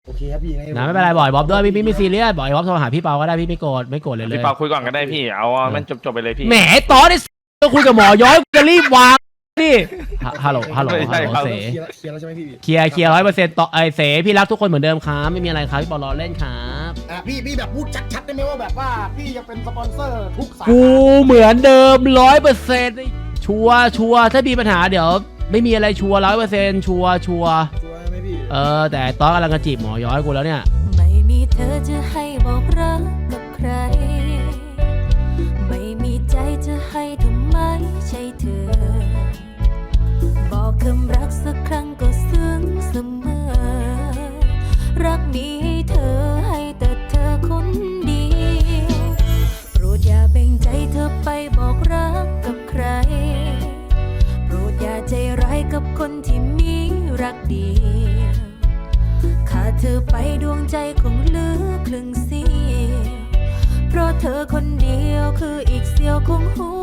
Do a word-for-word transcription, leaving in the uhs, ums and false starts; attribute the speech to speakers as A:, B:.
A: โอเคครับพี่นะ
B: ไม่เป็นไรบ่อยบ๊อบด้วยพี่ไม่ซีเรียสบ่อยบ๊อบโทรหาพี่เปาก็ได้พี่ไม่โกรธไม่โกรธเลยเลย
C: พี่เปาคุยก่อนก็ได้พี่เอามันจบๆไปเลยพี่
B: แหมตอนนี้ก็คุยกับหมอย้อยจะรีบวางนี่ฮัลโหลฮัลโหลฮัลโหลเส
A: เคลียร์แล้วใช่ไหมพี่
B: เคลียร์เคลียร์ร้อยเปอร์เซ็นต์ต่อไอเสพี่รักทุกคนเหมือนเดิมครับไม่มีอะไรครับพี่ปอล้อเล่นครับ
A: อ่ะพี่พี่แบบพูดชัดๆได้ไหมว่าแบบว่าพี่จะเป็นสปอนเซอร์ทุกสาขา
B: กูเหมือนเดิมร้อยเปอร์เซ็นต์ชัวร์ชัวร์ถ้ามีปัญหาเดี๋ยวไม่มีอะไรชัวร์ร้อยเปอร์เซ็นต์ชัวร์ชัวร์
A: ชัวร์ไหมพี่
B: เออแต่ตอนกำลังจะจีบหมอย้อยกูแล้วเนี่ย
D: ไม่มีเธอจะให้บอกรักกับใครไม่มีใจจะให้ทำไมใช่เธอบอกคำรักสักครั้งก็ซึ้งเสมอรักมีให้เธอให้แต่เธอคนเดียวโปรดอย่าแบ่งใจเธอไปบอกรักกับใครโปรดอย่าใจร้ายกับคนที่มีรักเดียวขาดเธอไปดวงใจคงเหลือครึ่งเสี้ยวเพราะเธอคนเดียวคืออีกเสี้ยวของหัว